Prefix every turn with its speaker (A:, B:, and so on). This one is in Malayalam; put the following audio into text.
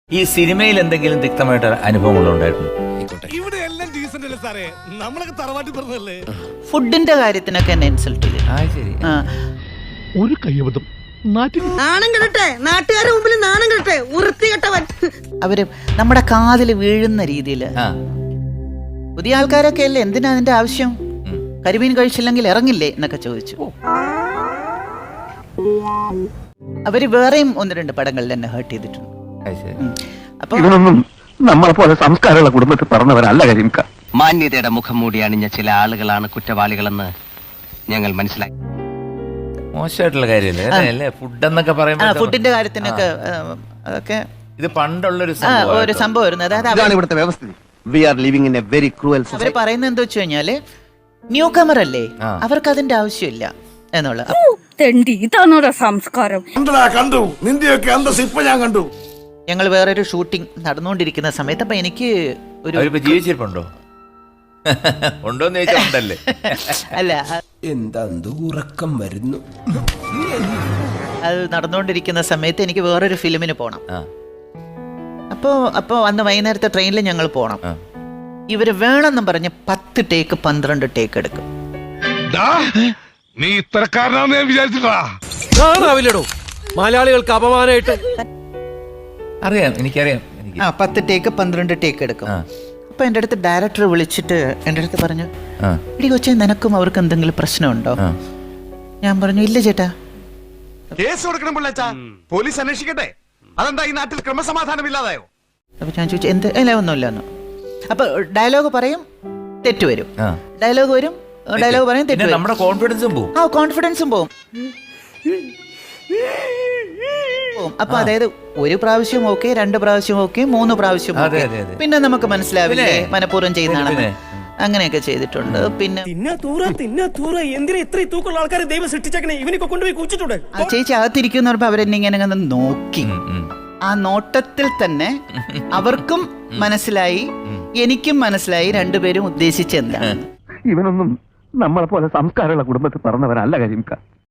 A: ഈ സിനിമയിൽ എന്തെങ്കിലും തിക്തമായിട്ട് അനുഭവങ്ങൾ ഉണ്ടായിരുന്നു?
B: ഇവിടെ എല്ലാം ഡീസന്റ് അല്ലേ സാറേ, നമ്മളൊക്കെ തറവാട്ടി പറഞ്ഞല്ലേ.
C: ഫുഡിന്റെ കാര്യത്തിനൊക്കെ എന്നെ ഇൻസൾട്ട് ചെയ്തു.
A: ശരി.
B: ഒരു കയ്യബദ്ധം
D: നാണം കെടട്ടെ, നാട്ടുകാരുടെ മുമ്പിൽ നാണം കെടട്ടെ, വൃത്തികെട്ടവൻ.
C: അവര് നമ്മുടെ കാതിൽ വീഴുന്ന രീതിയില് പുതിയ ആൾക്കാരൊക്കെ അല്ലേ, എന്തിനാ അതിന്റെ ആവശ്യം, കരിമീൻ കഴിച്ചില്ലെങ്കിൽ ഇറങ്ങില്ലേ എന്നൊക്കെ ചോദിച്ചു. അവര് വേറെയും ഒന്ന് രണ്ട് പടങ്ങളിൽ എന്നെ ഹേർട്ട് ചെയ്തിട്ടുണ്ട്. അപ്പൊ
E: ഇവനൊന്നും നമ്മളെ പോലെ സംസ്കാരമുള്ള കുടുംബത്തിൽ പറഞ്ഞവരല്ല കരിംക.
F: മാന്യതയുടെ മുഖം മൂടി അണിഞ്ഞ ചില ആളുകളാണ് കുറ്റവാളികളെന്ന് ഞങ്ങൾ മനസ്സിലാക്കി.
A: മോശമായിട്ടുള്ള കാര്യമല്ലേ ഫുഡ് എന്നൊക്കെ പറയുമ്പോൾ.
C: ഫുഡിന്റെ കാര്യത്തിനൊക്കെ അതൊക്കെ
A: ഇത് പണ്ടുള്ളൊരു
C: ഒരു സംഭവമായിരുന്നു. അതായത്
E: ഇവിടുത്തെ വ്യവസ്ഥ. We are living in a very cruel society.
C: അവര് പറയുന്നത് എന്താ വെച്ച് കഴിഞ്ഞാല് ന്യൂ കമർ അല്ലേ, അവർക്ക് അതിന്റെ ആവശ്യമില്ല എന്നുള്ള.
G: ഇതാണോ സംസ്കാരം?
B: കണ്ടു നിന്റെയൊക്കെ അന്തസ് ഇപ്പൊ ഞാൻ കണ്ടു.
C: ഞങ്ങൾ വേറൊരു ഷൂട്ടിംഗ് നടന്നുകൊണ്ടിരിക്കുന്ന സമയത്ത് അപ്പൊ എനിക്ക് ഒരു
A: ജീവിച്ചിരിപ്പുണ്ടോ ഉണ്ടോന്ന് ചോദിച്ചാൽ ഉണ്ടല്ലേ.
C: അല്ല,
H: എന്താ ഉറക്കം വരുന്നു.
C: അത് നടന്നുകൊണ്ടിരിക്കുന്ന സമയത്ത് എനിക്ക് വേറൊരു ഫിലിമിന് പോണം. അപ്പോ അന്ന് വൈകുന്നേരത്തെ ട്രെയിനിൽ ഞങ്ങൾ പോണം. ഇവര് വേണമെന്നും പറഞ്ഞ് 10 ടേക്ക് 12 ടേക്ക് എടുക്കും.
B: നീ ഇത്തരക്കാരനാന്ന് ഞാൻ വിചാരിച്ചിട്ടാ.
H: മലയാളികൾക്ക് അപമാനമായിട്ട്
A: അറിയാം, എനിക്കറിയാം.
C: 10 ടേക്ക് 12 ടേക്ക് എടുക്കും. അപ്പൊ എൻ്റെ അടുത്ത് ഡയറക്ടർ വിളിച്ചിട്ട് എൻ്റെ അടുത്ത് പറഞ്ഞു, ഇടി കൊച്ചേ, നിനക്കും അവർക്ക് എന്തെങ്കിലും പ്രശ്നമുണ്ടോ? ഞാൻ പറഞ്ഞു, ഇല്ല ചേട്ടാ.
B: കേസ് കൊടുക്കണം പിള്ളേച്ചാ, പോലീസ് അന്വേഷിക്കട്ടെ. അതെന്താ ഈ നാട്ടിൽ ക്രമസമാധാനം ഇല്ലാതായോ?
C: അപ്പൊ ഞാൻ ചോദിച്ചു, എന്ത്? അല്ല, ഒന്നുമില്ലെന്നു. അപ്പൊ ഡയലോഗ് പറയും, തെറ്റ് വരും. ഡയലോഗ് വരും, ഡയലോഗ് പറയും, തെറ്റ് വരും.
A: നമ്മുടെ കോൺഫിഡൻസും പോകും.
C: കോൺഫിഡൻസും പോകും. അപ്പൊ അതായത് 1 പ്രാവശ്യം ഓക്കെ, 2 പ്രാവശ്യം ഓക്കെ, 3 പ്രാവശ്യം ഓക്കെ, പിന്നെ നമുക്ക് മനസ്സിലാവില്ലേ മനഃപൂർവ്വം ചെയ്യുന്നതാണ്. അങ്ങനെയൊക്കെ ചെയ്തിട്ടുണ്ട്. പിന്നെ
H: എന്തിനാ ഇത്ര തൂക്കുള്ള ആൾക്കാരെ ദൈവം സൃഷ്ടിച്ചേക്കണേ, ഇവനൊക്കെ കൊണ്ടുപോയി കുച്ചിട്ടുണ്ട്.
C: ആ ചേച്ചി അകത്തിരിക്കുന്ന പറഞ്ഞപ്പോ അവരെന്നെ ഇങ്ങനെ നോക്കി. ആ നോട്ടത്തിൽ തന്നെ അവർക്കും മനസ്സിലായി, എനിക്കും മനസ്സിലായി രണ്ടുപേരും ഉദ്ദേശിച്ചെന്താണ്.
E: ഇവനൊന്നും നമ്മളെ പോലെ സംസ്കാരമുള്ള കുടുംബത്തിൽ പറഞ്ഞവരല്ല കരിംക.